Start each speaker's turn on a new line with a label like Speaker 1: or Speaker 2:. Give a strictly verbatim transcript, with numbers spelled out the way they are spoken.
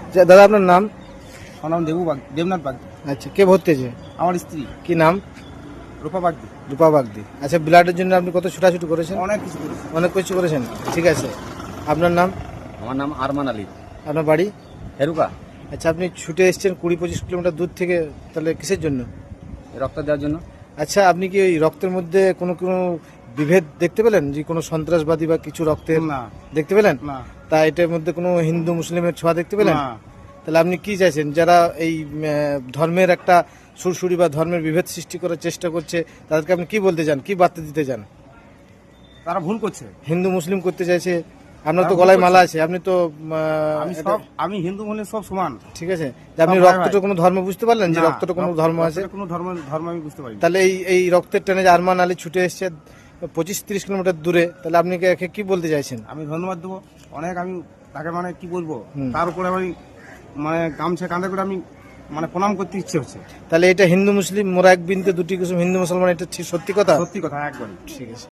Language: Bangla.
Speaker 1: যা- দাদা আপনার নাম?
Speaker 2: আমার নাম দেবু বাগ দেবনাথ বাগদি।
Speaker 1: আচ্ছা, কে ভর্তি আছে?
Speaker 2: আমার স্ত্রী
Speaker 1: কি নাম?
Speaker 2: রূপা বাগদি।
Speaker 1: রূপা বাগদি। আচ্ছা, ব্লাডের জন্য আপনি কত ছুটাছুটি করেছেন?
Speaker 2: অনেক কিছু করেছে।
Speaker 1: অনেক কিছু করেছেন, ঠিক আছে। আপনার নাম?
Speaker 3: আমার নাম আরমান আলী,
Speaker 1: আপনার বাড়ি?
Speaker 3: হেরুকা।
Speaker 1: আচ্ছা, আপনি ছুটে এসেছেন কুড়ি পঁচিশ কিলোমিটার দূর থেকে, তাহলে কিসের জন্য?
Speaker 3: রক্ত দেওয়ার জন্য।
Speaker 1: আচ্ছা, আপনি কি ওই রক্তের মধ্যে কোনো কোনো বিভেদ দেখতে পেলেন, যে কোনো সন্ত্রাসবাদী বা কিছু রক্তের
Speaker 2: না
Speaker 1: দেখতে পেলেন?
Speaker 2: না
Speaker 1: তা এটার মধ্যে কোনো হিন্দু মুসলিমের ছোঁয়া দেখতে পেলেন?
Speaker 2: না।
Speaker 1: তাহলে আপনি কি চাইছেন, যারা এই উম, আহ, ধর্মের একটা সুরসুরি বা ধর্মের বিভেদ সৃষ্টি করার চেষ্টা করছে, তাদেরকে আপনি কি বলতে চান, কি বার্তা দিতে চান?
Speaker 2: তারা ভুল করছে।
Speaker 1: হিন্দু মুসলিম করতে চাইছে, আপনার তো
Speaker 2: তারা ভুল
Speaker 1: গলায়
Speaker 2: করছে।
Speaker 1: মালা আছে, আপনি তো উম, আহ,
Speaker 2: আমি
Speaker 1: এটা-
Speaker 2: সব আমি হিন্দু মুসলিম সব সমান।
Speaker 1: ঠিক আছে, যে আপনি
Speaker 2: সব ভাই
Speaker 1: রক্তটা
Speaker 2: ভাই।
Speaker 1: কোনো ধর্ম বুঝতে পারলেন, যে
Speaker 2: না,
Speaker 1: রক্তটা কোনো
Speaker 2: রক্ত-
Speaker 1: ধর্ম আছে?
Speaker 2: রক্তের কোনো ধর্ম ধর্ম আমি বুঝতে পারি না।
Speaker 1: তাহলে এই এই রক্তের টানে যে আরমান আলী ছুটে এসছে পঁচিশ তিরিশ কিলোমিটার দূরে, তাহলে আপনি কি একে কি বলতে চাইছেন?
Speaker 2: আমি ধন্যবাদ দেবো অনেক। আমি তাকে মানে কি বলবো,
Speaker 1: হুম।
Speaker 2: তার উপরে আমি মানে গামছা কাঁধে করে আমি মানে প্রণাম করতে ইচ্ছে হচ্ছে।
Speaker 1: তাহলে এটা হিন্দু মুসলিম মোরা এক বিন্দু দুটি কুসুম, হিন্দু মুসলমান, এটা ঠিক সত্যি কথা?
Speaker 2: সত্যি কথা একবারই।
Speaker 1: ঠিক আছে।